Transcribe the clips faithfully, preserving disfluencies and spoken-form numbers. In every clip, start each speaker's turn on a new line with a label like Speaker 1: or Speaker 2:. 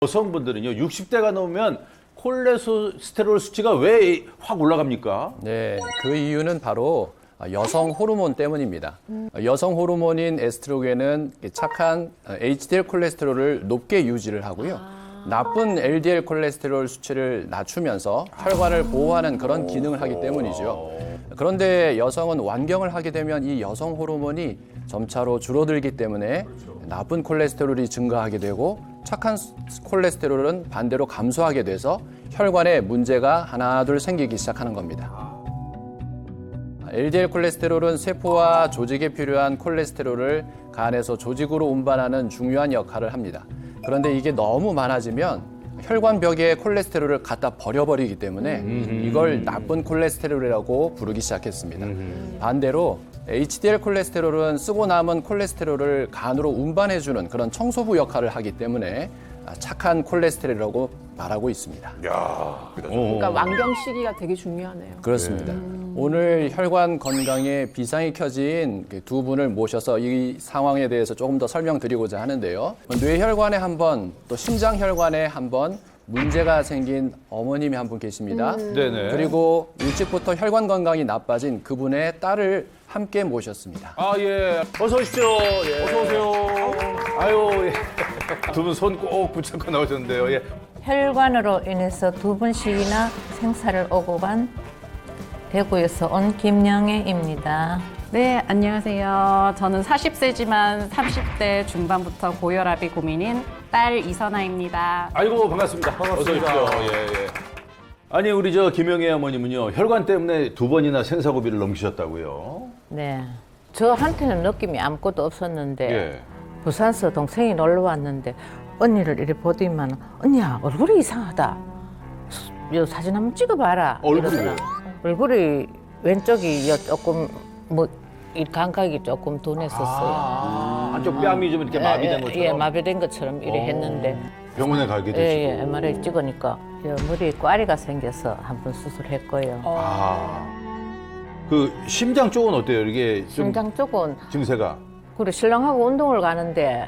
Speaker 1: 여성분들은요, 육십 대가 넘으면 콜레스테롤 수치가 왜 확 올라갑니까?
Speaker 2: 네, 그 이유는 바로 여성 호르몬 때문입니다. 여성 호르몬인 에스트로겐은 착한 에이치디엘 콜레스테롤을 높게 유지를 하고요. 나쁜 엘디엘 콜레스테롤 수치를 낮추면서 혈관을 보호하는 그런 기능을 하기 때문이죠. 그런데 여성은 완경을 하게 되면 이 여성 호르몬이 점차로 줄어들기 때문에 나쁜 콜레스테롤이 증가하게 되고 착한 콜레스테롤은 반대로 감소하게 돼서 혈관에 문제가 하나 둘 생기기 시작하는 겁니다. 엘디엘 콜레스테롤은 세포와 조직에 필요한 콜레스테롤을 간에서 조직으로 운반하는 중요한 역할을 합니다. 그런데 이게 너무 많아지면 혈관 벽에 콜레스테롤을 갖다 버려버리기 때문에 이걸 나쁜 콜레스테롤이라고 부르기 시작했습니다. 반대로 에이치디엘 콜레스테롤은 쓰고 남은 콜레스테롤을 간으로 운반해주는 그런 청소부 역할을 하기 때문에 착한 콜레스테롤이라고 말하고 있습니다.
Speaker 3: 야,
Speaker 4: 그러니까 완경 시기가 되게 중요하네요.
Speaker 2: 그렇습니다. 오늘 혈관 건강에 비상이 켜진 두 분을 모셔서 이 상황에 대해서 조금 더 설명드리고자 하는데요. 뇌혈관에 한 번, 또 심장혈관에 한 번 문제가 생긴 어머님이 한 분 계십니다.
Speaker 1: 음. 네네.
Speaker 2: 그리고 일찍부터 혈관 건강이 나빠진 그분의 딸을 함께 모셨습니다.
Speaker 1: 아, 예. 어서 오십시오. 예. 어서 오세요. 아유, 예. 두 분 손 꼭 붙잡고 나오셨는데요. 예.
Speaker 5: 혈관으로 인해서 두 번씩이나 생사를 오고 간 대구에서 온 김영애입니다.
Speaker 6: 네, 안녕하세요. 저는 사십 세지만 삼십 대 중반부터 고혈압이 고민인 딸 이선아입니다.
Speaker 1: 아이고, 반갑습니다. 반갑습니다. 어서 오십시오. 예, 예. 아니, 우리 저 김영애 어머님은요, 혈관 때문에 두 번이나 생사고비를 넘기셨다고요?
Speaker 5: 네, 저한테는 느낌이 아무것도 없었는데
Speaker 1: 예.
Speaker 5: 부산서 동생이 놀러 왔는데 언니를 이렇게 보더니만 언니야 얼굴이 이상하다. 요 사진 한번 찍어봐라.
Speaker 1: 얼굴이
Speaker 5: 이러더라. 얼굴이 왼쪽이 요 조금 뭐 이 감각이 조금 둔했었어요.
Speaker 1: 아, 한쪽 뺨이 좀 이렇게 마비된
Speaker 5: 예,
Speaker 1: 것처럼?
Speaker 5: 예, 마비된 것처럼 이래 했는데
Speaker 1: 병원에 가게 되시고.
Speaker 5: 예, 예, 엠알아이 찍으니까 요 머리에 꽈리가 생겨서 한 번 수술했고요.
Speaker 1: 아. 그 심장 쪽은 어때요? 이게 좀
Speaker 5: 심장 쪽은
Speaker 1: 증세가?
Speaker 5: 그래 신랑하고 운동을 가는데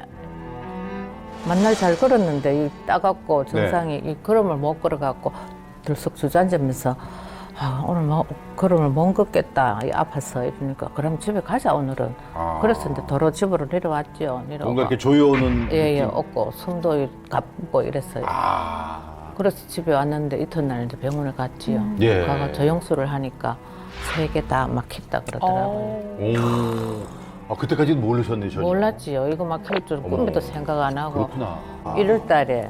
Speaker 5: 만날 잘 걸었는데 이 따갑고 정상이 이 걸음을 못 걸어갖고 들썩 주저앉으면서 아, 오늘 뭐 걸음을 못 걷겠다 이 아파서 이러니까 그럼 집에 가자 오늘은.
Speaker 1: 아.
Speaker 5: 그래서 이제 도로 집으로 내려왔죠. 내려와.
Speaker 1: 뭔가 이렇게 조여오는
Speaker 5: 예예
Speaker 1: 느낌?
Speaker 5: 없고 숨도 가쁘고 이랬어요.
Speaker 1: 아.
Speaker 5: 그래서 집에 왔는데 이튿날 이제 병원에 갔지요.
Speaker 1: 예.
Speaker 5: 가가 저용수를 하니까 세 개 다 막혔다 그러더라고요.
Speaker 1: 오. 아, 그때까지는 모르셨네, 전혀.
Speaker 5: 몰랐지요. 이거 막힐 줄
Speaker 1: 어머.
Speaker 5: 꿈에도 생각 안 하고.
Speaker 1: 그렇구나. 아.
Speaker 5: 일월 달에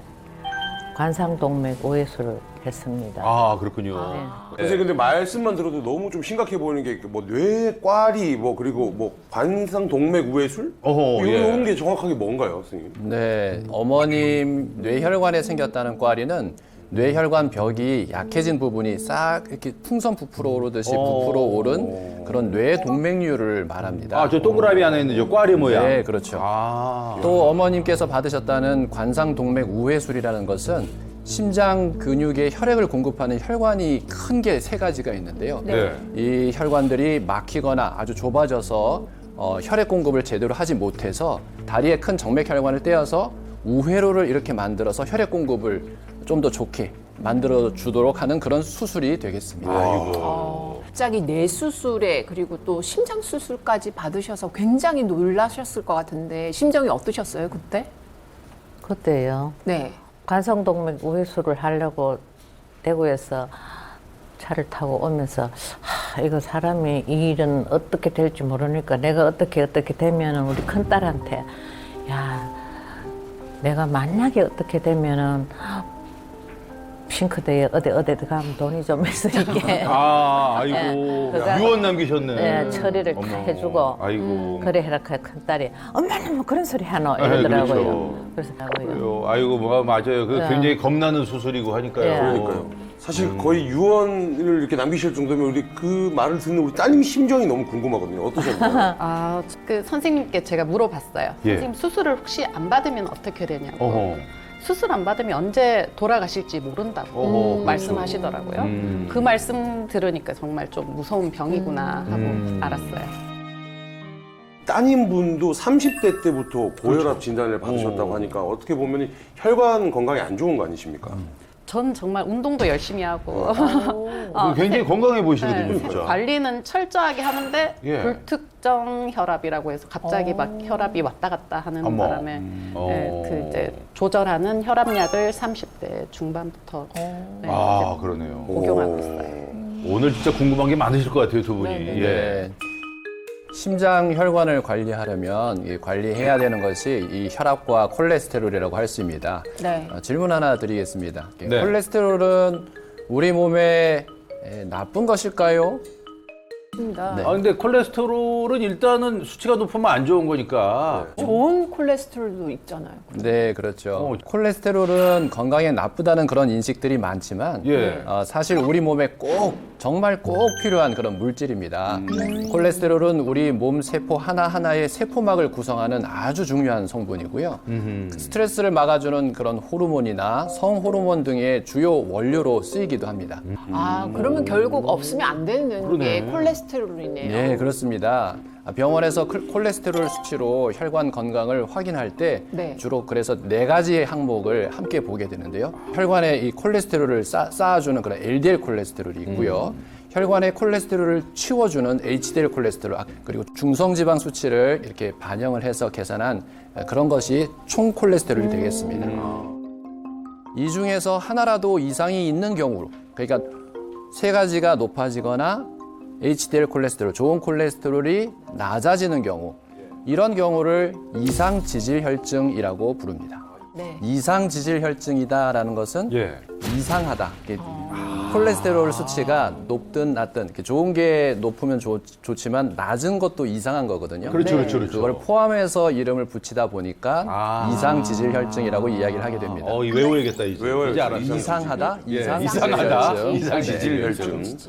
Speaker 5: 관상동맥 우회수를 했습니다.
Speaker 1: 아, 그렇군요.
Speaker 5: 네.
Speaker 3: 선생님 근데 말씀만 들어도 너무 좀 심각해 보이는 게 뭐 뇌꽈리 뭐 그리고 뭐 관상 동맥 우회술?
Speaker 1: 어허, 예.
Speaker 3: 이런 게 정확하게 뭔가요, 선생님?
Speaker 2: 네, 어머님 뇌혈관에 생겼다는 꽈리는 뇌혈관 벽이 약해진 부분이 싹 이렇게 풍선 부풀어 오르듯이 부풀어 오른 그런 뇌 동맥류를 말합니다.
Speaker 1: 아, 저 동그라미 안에 있는 저 꽈리 모양.
Speaker 2: 네, 그렇죠.
Speaker 1: 아.
Speaker 2: 또 어머님께서 받으셨다는 관상 동맥 우회술이라는 것은 심장 근육에 혈액을 공급하는 혈관이 큰 게 세 가지가 있는데요.
Speaker 1: 네.
Speaker 2: 이 혈관들이 막히거나 아주 좁아져서 어, 혈액 공급을 제대로 하지 못해서 다리에 큰 정맥 혈관을 떼어서 우회로를 이렇게 만들어서 혈액 공급을 좀 더 좋게 만들어 주도록 하는 그런 수술이 되겠습니다.
Speaker 1: 아이고.
Speaker 4: 갑자기 뇌 수술에 그리고 또 심장 수술까지 받으셔서 굉장히 놀라셨을 것 같은데 심정이 어떠셨어요 그때?
Speaker 5: 그때요.
Speaker 4: 네.
Speaker 5: 관상동맥 우회수를 하려고 대구에서 차를 타고 오면서 하, 이거 사람이 이 일은 어떻게 될지 모르니까 내가 어떻게 어떻게 되면은 우리 큰딸한테 야 내가 만약에 어떻게 되면은 싱크대에 어디 어디 가면 돈이 좀 있으니까
Speaker 1: 아, 아이고.
Speaker 5: 예, 그거-
Speaker 1: 유언 남기셨네.
Speaker 5: 예, 처리를 다
Speaker 1: 어머.
Speaker 5: 해주고
Speaker 1: 아이고.
Speaker 5: 그래 해라 큰 딸이 엄마는 뭐 그런 소리 하노
Speaker 1: 예,
Speaker 5: 이러더라고요.
Speaker 1: 그렇죠.
Speaker 5: 그래서 하고요.
Speaker 1: 그래요. 아이고, 뭐가 맞아요. 그
Speaker 5: 네.
Speaker 1: 굉장히 겁나는 수술이고 하니까요.
Speaker 5: 예.
Speaker 3: 그러니까요. 사실 거의 유언을 이렇게 남기실 정도면 우리 그 말을 듣는 우리 따님 심정이 너무 궁금하거든요. 어떠셨나요?
Speaker 6: 아, 그 선생님께 제가 물어봤어요.
Speaker 1: 예.
Speaker 6: 선생님 수술을 혹시 안 받으면 어떻게 되냐고.
Speaker 1: 어허.
Speaker 6: 수술 안 받으면 언제 돌아가실지 모른다고
Speaker 1: 어허, 그렇죠.
Speaker 6: 말씀하시더라고요.
Speaker 1: 음.
Speaker 6: 그 말씀 들으니까 정말 좀 무서운 병이구나 하고
Speaker 1: 음.
Speaker 6: 알았어요.
Speaker 3: 따님분도 삼십 대 때부터 고혈압 진단을 받으셨다고
Speaker 1: 어.
Speaker 3: 하니까 어떻게 보면 혈관 건강이 안 좋은 거 아니십니까?
Speaker 6: 전 정말 운동도 열심히 하고
Speaker 1: 어, 굉장히 건강해 보이시거든요,
Speaker 6: 네,
Speaker 1: 진짜.
Speaker 6: 관리는 철저하게 하는데
Speaker 1: 예.
Speaker 6: 불특정 혈압이라고 해서 갑자기 막 혈압이 왔다 갔다 하는
Speaker 1: 어머.
Speaker 6: 바람에
Speaker 1: 어.
Speaker 6: 네, 그 이제 조절하는 혈압약을 삼십 대 중반부터 네,
Speaker 1: 아,
Speaker 6: 이제
Speaker 1: 그러네요.
Speaker 6: 복용하고 있어요.
Speaker 1: 오늘 진짜 궁금한 게 많으실 것 같아요, 두 분이.
Speaker 4: 네, 네.
Speaker 1: 예.
Speaker 2: 네. 심장 혈관을 관리하려면 이 관리해야 되는 것이 이 혈압과 콜레스테롤이라고 할 수 있습니다.
Speaker 4: 네.
Speaker 2: 어, 질문 하나 드리겠습니다.
Speaker 1: 네.
Speaker 2: 콜레스테롤은 우리 몸에 에, 나쁜 것일까요?
Speaker 4: 맞습니다.
Speaker 2: 네.
Speaker 1: 아, 근데 콜레스테롤은 일단은 수치가 높으면 안 좋은 거니까.
Speaker 4: 좋은 콜레스테롤도 있잖아요.
Speaker 2: 네, 그렇죠.
Speaker 1: 어.
Speaker 2: 콜레스테롤은 건강에 나쁘다는 그런 인식들이 많지만
Speaker 1: 예.
Speaker 2: 어, 사실 우리 몸에 꼭 정말 꼭 필요한 그런 물질입니다. 콜레스테롤은 우리 몸 세포 하나하나의 세포막을 구성하는 아주 중요한 성분이고요. 스트레스를 막아주는 그런 호르몬이나 성호르몬 등의 주요 원료로 쓰이기도 합니다.
Speaker 4: 아, 그러면 결국 없으면 안 되는
Speaker 1: 그러네.
Speaker 4: 게 콜레스테롤이네요.
Speaker 2: 네, 그렇습니다. 병원에서 콜- 콜레스테롤 수치로 혈관 건강을 확인할 때
Speaker 4: 네.
Speaker 2: 주로 그래서 네 가지의 항목을 함께 보게 되는데요. 혈관에 이 콜레스테롤을 쌓, 쌓아주는 그런 엘디엘 콜레스테롤이 있고요. 혈관의 콜레스테롤을 치워주는 에이치디엘 콜레스테롤, 아, 그리고 중성지방 수치를 이렇게 반영을 해서 계산한 그런 것이 총 콜레스테롤이 되겠습니다. 이 중에서 하나라도 이상이 있는 경우, 그러니까 세 가지가 높아지거나 에이치디엘 콜레스테롤, 좋은 콜레스테롤이 낮아지는 경우, 이런 경우를 이상 지질 혈증이라고 부릅니다.
Speaker 4: 네.
Speaker 2: 이상 지질 혈증이다라는 것은
Speaker 1: 예.
Speaker 2: 이상하다. 이게 콜레스테롤 수치가 높든 낮든 이렇게 좋은 게 높으면 좋, 좋지만 낮은 것도 이상한 거거든요.
Speaker 1: 그렇죠, 그렇죠, 그렇죠.
Speaker 2: 그걸 포함해서 이름을 붙이다 보니까
Speaker 1: 아.
Speaker 2: 이상 지질 혈증이라고 이야기를 하게 됩니다.
Speaker 1: 어, 이 외워야겠다, 이제.
Speaker 3: 외워야죠.
Speaker 1: 이제 알았어.
Speaker 3: 이상
Speaker 2: 이상하다,
Speaker 1: 예,
Speaker 2: 이상
Speaker 1: 이상하다,
Speaker 2: 지질 혈증.
Speaker 1: 이상 지질
Speaker 2: 네.
Speaker 1: 혈증.